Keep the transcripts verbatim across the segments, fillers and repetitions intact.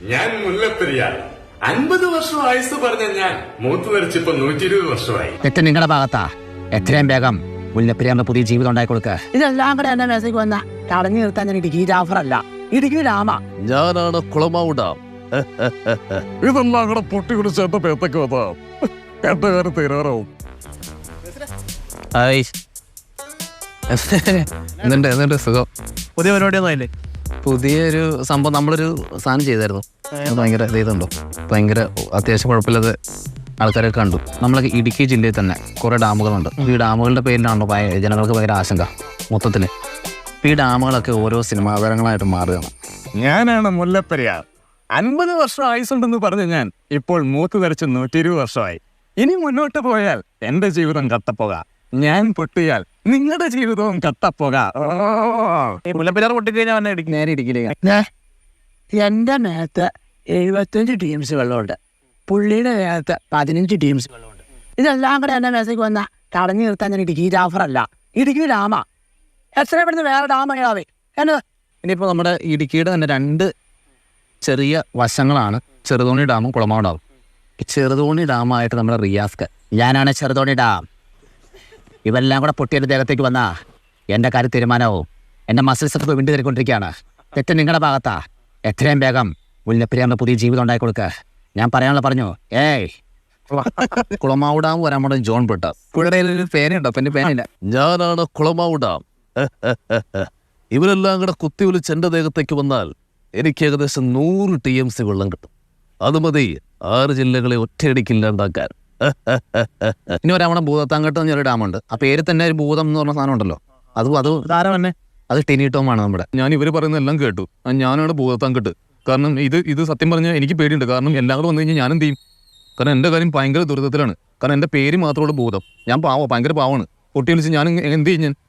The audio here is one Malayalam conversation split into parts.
ഞാൻ മുല്ലപ്പെരിയാർ അൻപത് വർഷം ആയുസ് പറഞ്ഞ ഞാൻ മൂത്ത് വരച്ചിപ്പോ നൂറ്റി ഇരുപത് വർഷമായി. തെറ്റ് നിങ്ങളുടെ ഭാഗത്താ. എത്രയും വേഗം മുല്ലപ്പെരിയാറിന്റെ പുതിയ ജീവിതം ഉണ്ടായി കൊടുക്കുക. ഇതെല്ലാം കൂടെ എന്നെ മെസ്സേജ് വന്ന തടഞ്ഞു നിർത്താൻ ഞാൻ ഇടുക്കി ജാഫർ അല്ല, ഇടുക്കി രാമ. ഞാനാണ് കുളമാവ് ഡാം. ഇതെല്ലാം കൂടെ പൊട്ടി കുടിച്ച് എന്റെ പേത്തൊക്കെ വന്നാം എന്റെ കാര്യം തീരാറാവും. എന്നിട്ട് എന്നിട്ട് സുഖം. പുതിയ പരിപാടിയൊന്നും ആയില്ലേ? പുതിയൊരു സംഭവം നമ്മളൊരു സാധനം ചെയ്തായിരുന്നു. ഭയങ്കര ഇതുണ്ടോ, ഭയങ്കര അത്യാവശ്യം കുഴപ്പമില്ലാതെ ആൾക്കാരൊക്കെ കണ്ടു. നമ്മളൊക്കെ ഇടുക്കി ജില്ലയിൽ തന്നെ കുറേ ഡാമുകളുണ്ട്. ഈ ഡാമുകളുടെ പേരിലാണല്ലോ ജനങ്ങൾക്ക് ഭയങ്കര ആശങ്ക മൊത്തത്തിൽ. ഈ ഡാമുകളൊക്കെ ഓരോ സിനിമാ താരങ്ങളായിട്ട് മാറുകയാണ്. ഞാനാണ് മുല്ലപ്പെരിയാർ. അൻപത് വർഷം ആയുസുണ്ടെന്ന് പറഞ്ഞ ഞാൻ ഇപ്പോൾ മൂത്ത് ധരിച്ച് നൂറ്റി ഇരുപത് വർഷമായി. ഇനി മുന്നോട്ട് പോയാൽ എന്റെ ജീവിതം കട്ടപ്പോക, ഞാൻ പൊട്ടിയാൽ നിങ്ങളുടെ ജീവിതവും കട്ടപ്പോക. ഈ മുല്ലപ്പെരിയാർ പൊട്ടിക്കഴിഞ്ഞാൽ വന്നെ ഇടിക്കും. നേരെ ഇടുക്കിയിലേക്ക്. എന്റെ മേത്ത് എഴുപത്തഞ്ച് ടീംസ് വെള്ളമുണ്ട്, പുള്ളിയുടെ മേത്ത് പതിനഞ്ച് ടീംസ് വെള്ളമുണ്ട്. ഇതെല്ലാം കൂടെ എന്നെ മെസ്സേജ് വന്ന തടഞ്ഞു നിർത്താൻ ഞാൻ ഇടുക്കി ജാഫർ അല്ല, ഇടുക്കി രാമ. എത്രയും പെടുന്ന വേറെ ഡാം എങ്ങനെയാവേ എന്നത്. ഇനിയിപ്പോൾ നമ്മുടെ ഇടുക്കിയുടെ തന്നെ രണ്ട് ചെറിയ വശങ്ങളാണ് ചെറുതോണി ഡാമും കുളമാവ് ഡാമും. ഈ ചെറുതോണി ഡാമായിട്ട് നമ്മുടെ റിയാസ്ക്ക്. ഞാനാണ് ചെറുതോണി ഡാം. ഇവെല്ലാം കൂടെ പൊട്ടിയുടെ ദേഹത്തേക്ക് വന്നാ എൻ്റെ കാര്യം തീരുമാനവും. എൻ്റെ മസിൽസ് ഒക്കെ വിണ്ടു തരിക്കൊണ്ടിരിക്കുകയാണ്. തെറ്റ് നിങ്ങളുടെ ഭാഗത്താ. എത്രയും വേഗം മുല്ലപ്പെരിയാറിന്റെ പുതിയ ജീവിതം ഉണ്ടായി കൊടുക്കുക. ഞാൻ പറയാനുള്ള പറഞ്ഞു. ഏയ് കുളമാവ് ഡാം വരാൻ പോണ ജോൺ ബ്രിട്ടാസ്. പുള്ളിയുടെ ഒരു പേരുണ്ടോ? അപ്പം എൻ്റെ പേരില്ല. ഞാനാണ് കുളമാവ് ഡാം. ഇവരെല്ലാം കൂടെ കുത്തി വിളിച്ച് എൻ്റെ ദേഹത്തേക്ക് വന്നാൽ എനിക്ക് ഏകദേശം നൂറ് ടി എം സി വെള്ളം കിട്ടും. അത് മതി ആറ് ജില്ലകളെ ഒറ്റയടിക്കില്ലാണ്ടാക്കാൻ. ഇനി ഒരാമണ ഭൂതത്താങ്കട്ട് എന്നൊരു ഡാമുണ്ട്. ആ പേര് തന്നെ ഒരു ഭൂതം എന്ന് പറഞ്ഞ സാധനം ഉണ്ടല്ലോ. അത് അത് താരം തന്നെ അത് ടിനിട്ടോമാണ് നമ്മുടെ. ഞാൻ ഇവർ പറയുന്നതെല്ലാം കേട്ടു. ഞാനാണ് ഭൂതത്താങ്കട്ട്. കാരണം ഇത് ഇത് സത്യം പറഞ്ഞാൽ എനിക്ക് പേടിയുണ്ട്. കാരണം എല്ലാം കൂടെ വന്നു കഴിഞ്ഞാൽ ഞാൻ എന്ത് ചെയ്യും? കാരണം എൻ്റെ കാര്യം ഭയങ്കര ദുരിതത്തിലാണ്. കാരണം എൻ്റെ പേര് മാത്രമുള്ള ഭൂതം. ഞാൻ പാവോ, ഭയങ്കര പാവമാണ്. പൊട്ടി വിളിച്ച് ഞാൻ എന്ത് ചെയ്യും? ഞാൻ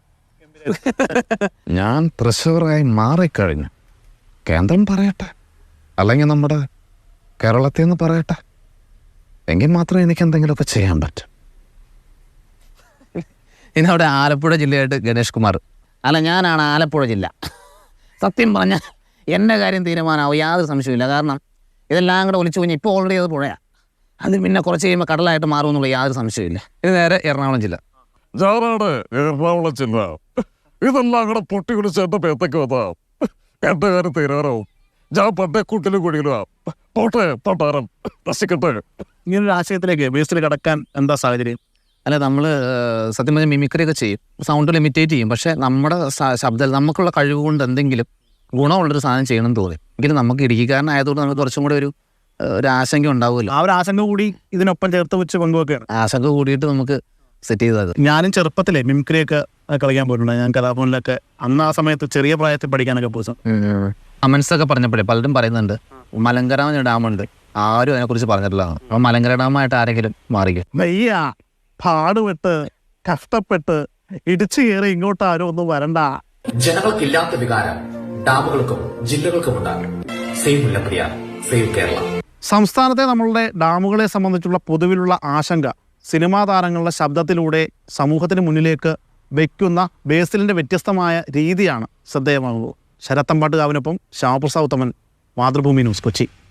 ഞാൻ തൃശ്ശൂറായി മാറിക്കഴിഞ്ഞു. കേന്ദ്രം പറയട്ടെ, അല്ലെങ്കിൽ നമ്മുടെ കേരളത്തിൽ നിന്ന് പറയട്ടെ, എങ്കിൽ മാത്രമേ എനിക്ക് എന്തെങ്കിലുമൊക്കെ ചെയ്യാൻ പറ്റും. ഇനി അവിടെ ആലപ്പുഴ ജില്ലയായിട്ട് ഗണേഷ് കുമാർ. അല്ല, ഞാനാണ് ആലപ്പുഴ ജില്ല. സത്യം പറഞ്ഞാൽ എൻ്റെ കാര്യം തീരുമാനമാവും, യാതൊരു സംശയമില്ല. കാരണം ഇതെല്ലാം കൂടെ ഒലിച്ചു കഴിഞ്ഞാൽ ഇപ്പോൾ ഓൾറെഡി അത് പുഴയാണ്. അത് പിന്നെ കുറച്ച് കഴിയുമ്പോൾ കടലായിട്ട് മാറുമെന്നുള്ള യാതൊരു സംശയമില്ല. ഇത് നേരെ എറണാകുളം ജില്ല. ഞാനാണ് എറണാകുളം ജില്ല. ഇതെല്ലാം കൂടെ പൊട്ടി കുടിച്ച് എന്റെ പേത്തൊക്കെ വന്നാം എന്റെ കാര്യം തീരാറാവും. ഞാൻ പണ്ടേ കൂട്ടിലും കുടിയിലുവാ. പോട്ടെ പട്ടാരം നശിക്കട്ടെ. ഇങ്ങനൊരു ആശയത്തിലേക്ക് ബേസിൽ കടക്കാൻ എന്താ സാഹചര്യം? അല്ല, നമ്മൾ സത്യം പറഞ്ഞാൽ മിമിക്രി ഒക്കെ ചെയ്യും, സൗണ്ട് ലിമിറ്റേറ്റ് ചെയ്യും. പക്ഷേ നമ്മുടെ ശബ്ദം നമുക്കുള്ള കഴിവ് കൊണ്ട് എന്തെങ്കിലും ഗുണമുള്ളൊരു സാധനം ചെയ്യണമെന്ന് തോന്നി. എങ്കിലും നമുക്ക് ഇടുക്കിക്കാരനായതുകൊണ്ട് നമുക്ക് കുറച്ചും കൂടെ ഒരു ഒരു ആശങ്ക ഉണ്ടാവുമല്ലോ. ആ ഒരു ആശങ്ക കൂടി ഇതിനൊപ്പം ചേർത്ത് വെച്ച് പങ്കുവെക്കുകയാണ്. ആശങ്ക കൂടിയിട്ട് നമുക്ക് സെറ്റ് ചെയ്തത്. ഞാനും ചെറുപ്പത്തിലെ മിമിക്രിയൊക്കെ കളിക്കാൻ പോയിട്ടുണ്ട്. ഞാൻ കലാഭവനിലൊക്കെ അന്ന് ആ സമയത്ത് ചെറിയ പ്രായത്തിൽ പഠിക്കാനൊക്കെ പോയി. കമൻസൊക്കെ പറഞ്ഞപ്പോഴേ പലരും പറയുന്നുണ്ട് മലങ്കര ഡാമുണ്ട്, ആരും അതിനെക്കുറിച്ച് പറഞ്ഞിട്ടില്ല. അപ്പം മലങ്കര ഡാമായിട്ട് ആരെങ്കിലും മാറിക്കും. വയ്യ, പാടുപെട്ട് കഷ്ടപ്പെട്ട് ഇടിച്ചു കയറി ഇങ്ങോട്ട് ആരും ഒന്നും വരണ്ട. ജനങ്ങൾക്കില്ലാത്ത വികാരം ഡാമുകൾക്കും ജില്ലകൾക്കും ഉണ്ടാകും. Save Mullaperiyar, save Kerala. സംസ്ഥാനത്തെ നമ്മളുടെ ഡാമുകളെ സംബന്ധിച്ചുള്ള പൊതുവിലുള്ള ആശങ്ക സിനിമാ താരങ്ങളുടെ ശബ്ദത്തിലൂടെ സമൂഹത്തിന് മുന്നിലേക്ക് വയ്ക്കുന്ന ബേസിലിൻ്റെ വ്യത്യസ്തമായ രീതിയാണ് ശ്രദ്ധേയമാകുന്നത്. ശരത്തമ്പാട്ടുകാവിനൊപ്പം ശ്യാമപ്രസാദ് ഉത്തമൻ, മാതൃഭൂമി ന്യൂസ്, കൊച്ചി.